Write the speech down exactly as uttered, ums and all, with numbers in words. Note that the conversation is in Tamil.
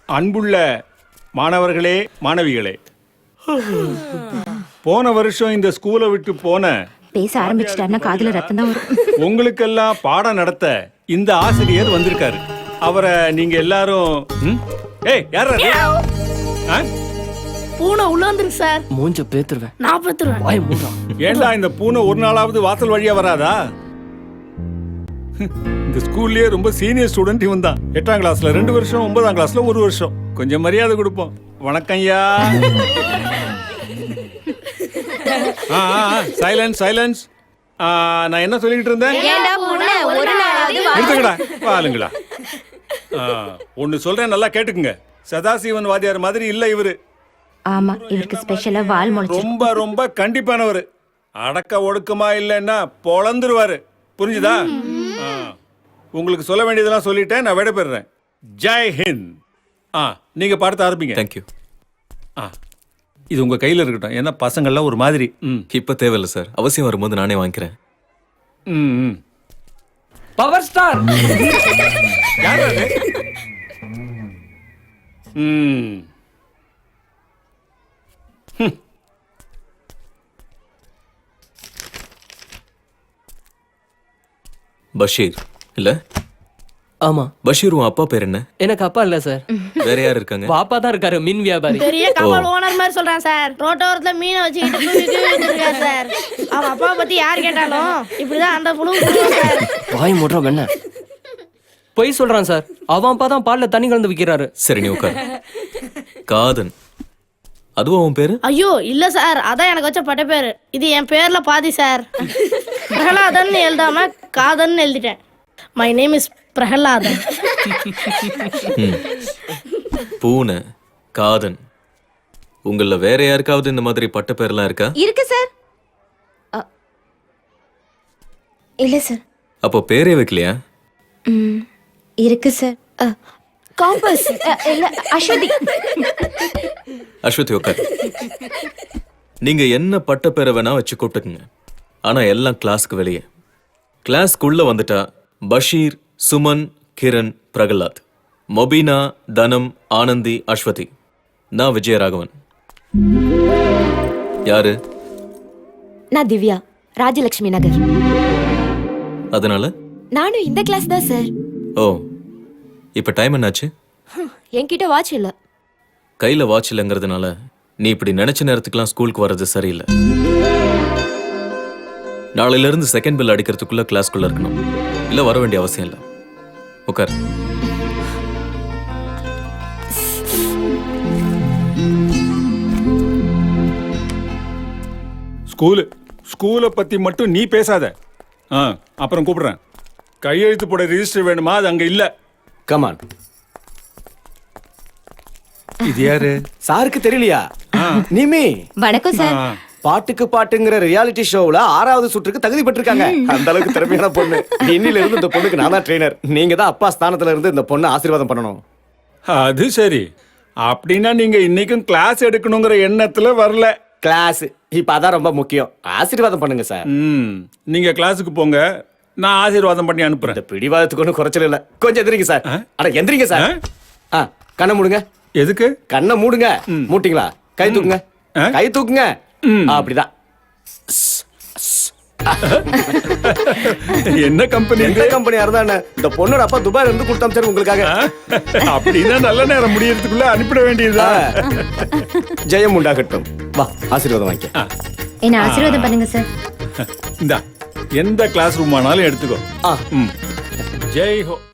அன்புள்ள மாணவர்களே மாணவிகளே, போன வருஷம் இந்த ஸ்கூலை விட்டு போன பேச ஆரம்பிச்சிட்டாருன்னா காதுல ரத்தம் தான் வரும். உங்களுக்கெல்லாம் பாடம் நடத்த இந்த ஆசிரியர் வந்திருக்காரு. அவரை நீங்க எல்லாரும் ம்? ஏய் யாரா இது? ஆ? பூனை உள்ள வந்துருக்கு சார். மூஞ்ச பேத்துருவேன். நான் பேத்துருவேன். வாய் மூடுறா. ஏண்டா இந்த பூனை ஒரு நாளாவது வாசல் வழியா வராதா? இந்த ஸ்கூல்லயே ரொம்ப சீனியர் ஸ்டூடெண்ட் இவன் தான். எட்டாம் கிளாஸ்ல ரெண்டு வருஷம், ஒன்பதாம் கிளாஸ்ல ஒரு வருஷம். கொஞ்சம் மரியாதை கொடுப்போம். வணக்கம் ஐயா. Silence silence. நான் என்ன சொல்லிட்டு இருந்தேன்? நிறுத்துங்கடா, வாளுங்களா. ஒன்னு சொல்றேன், நல்லா கேட்டுக்குங்க. சதாசிவன் வாத்தியார் மாதிரி இல்ல இவரு. ஆமா, இவருக்கு ஸ்பெஷலா வால் முளைச்சு. ரொம்ப ரொம்ப கண்டிப்பானவர். அடக்க ஒடுக்கமா இல்லைன்னா பொழந்துருவாரு. புரிஞ்சுதா? உங்களுக்கு சொல்ல வேண்டியதெல்லாம் சொல்லிட்டேன். நான் விடைபெறேன். ஜெய் ஹிந்த். ஆ நீங்க பாடத்தை ஆரம்பிங்க. தேங்க்யூ. ஆ இது உங்க கையில இருக்கட்டும். ஏன்னா பசங்கள்லாம் ஒரு மாதிரி. ம் இப்ப தேவையில்ல சார். அவசியம் வரும்போது நானே வாங்கிக்கிறேன். ம் ம். Power star. யார் அது? ம் ஹம். பஷீர் இல்ல? ஆமா. பஷீர் உன் அப்பா பேர் என்ன? எனக்கு அப்பா இல்ல சார். வேற யார் இருக்காங்க? பாப்பா தான் இருக்காரு, மீன் வியாபாரி. பெரிய கமல் ஓனர் மாதிரி சொல்றான் சார். ரோட்டோரத்துல மீனை வச்சுக்கிட்டு தூக்கிட்டு இருக்காரு சார். அவன் அப்பா பத்தி யார் கேட்டாலும் இப்படிதான் அந்த புழு சார். வாய் மூடுறா வெண்ண. பொய் சொல்றான் சார். அவன் அப்பா தான் பால்ல தண்ணி கலந்து விக்கிறாரு. சரி நீ உட்கார். காதன் அதுவா உன் பேரு? ஐயோ இல்ல சார், அதான் எனக்கு வச்ச பட்ட பேரு. இது என் பேர்ல பாதி சார். பிரகலாதன் எழுதாம காதன் எழுதிட்டேன். My name is Prahladan. பூனை, காதன், உங்கள வேற யாருக்காவது இந்த மாதிரி பட்ட பேர்லாம் இருக்கா? இருக்கு சார். அ, இல்ல சார். அப்போ பேரே வைக்கலையா? ம், இருக்கு சார். காம்பஸ் இல்ல அஸ்வதி. அஸ்வதி உட்கார். நீங்க என்ன பட்ட பேரை வேணா வச்சு கூப்பிட்டுக்குங்க. ஆனா எல்லாம் கிளாஸ்க்கு வெளியே. கிளாஸ்க்குள்ள வந்துட்டா பஷீர், சுமன், கிரண், பிரகலாத், மொபினா, தனம், ஆனந்தி, அஸ்வதி. நான் விஜயராகவன். யாரு? நான் திவ்யா, ராஜலட்சுமி நகர். அதனால நானும் இந்த கிளாஸ் தான் சார். ஓ, இப்ப டைம் என்னாச்சு? என்கிட்ட வாட்ச் இல்ல. கையில வாட்ச் இல்லைங்கிறதுனால நீ இப்படி நினைச்ச நேரத்துக்குலாம் ஸ்கூலுக்கு வர்றது சரியில்லை. நாளையில இருந்து செகண்ட் பெல் அடிக்கிறதுக்குள்ள கிளாஸ்க்குள்ள இருக்கணும். இல்ல வர வேண்டிய அவசியம் இல்லை. உட்கார். ஸ்கூலு ஸ்கூலை பத்தி மட்டும் நீ பேசாத. ஆ அப்புறம் கூப்பிடுறேன். கையெழுத்து போட ரிஜிஸ்டர் வேணுமா? அது அங்க இல்ல. கமான். இது யாரு? சாருக்கு தெரியலையா? நிமி. வணக்கம் சார். பாட்டுக்கு பாட்டுங்கிற ரியாலிட்டி ஷோவுல ஆறாவது சுற்றுக்கு தகுதி பெற்றிருக்காங்க. அந்த அளவுக்கு திறமையான பொண்ணு. இன்னில இருந்து இந்த பொண்ணுக்கு நான் தான் ட்ரெயினர். நீங்க தான் அப்பா ஸ்தானத்துல இருந்து இந்த பொண்ணை ஆசீர்வாதம் பண்ணணும். அது சரி. அப்படின்னா நீங்க இன்னைக்கும் கிளாஸ் எடுக்கணுங்கிற எண்ணத்துல வரல. கிளாஸ் இப்ப அதான் ரொம்ப முக்கியம். ஆசீர்வாதம் பண்ணுங்க சார். ம் நீங்க கிளாஸுக்கு போங்க. நான் ஆசீர்வாதம் பண்ணி அனுப்புறேன். இந்த பிடிவாதத்துக்கு ஒன்றும் குறைச்சல் இல்ல. கொஞ்சம் எந்திரிங்க சார். அட எந்திரிங்க சார். ஆ கண்ணை மூடுங்க. எதுக்கு? கண்ணை மூடுங்க. மூட்டிங்களா? கை தூக்குங்க. கை தூக்குங்க. அப்படிதான். என்ன கம்பெனி? எந்த கம்பெனியா இருந்தா என்ன? இந்த பொண்ணோட அப்பா துபாயில இருந்து கொடுத்தாம் சார் உங்களுக்காக. அப்படின்னா நல்ல நேரம் முடியறதுக்குள்ள அனுப்பிட வேண்டியதா? ஜெயம் உண்டாகட்டும். வா ஆசீர்வாதம் வாங்கிக்க. என்ன ஆசீர்வாதம் பண்ணுங்க சார். இந்தா எந்த கிளாஸ் ரூம் ஆனாலும் எடுத்துக்கோ. ஆ ம் ஜெய் ஹோ.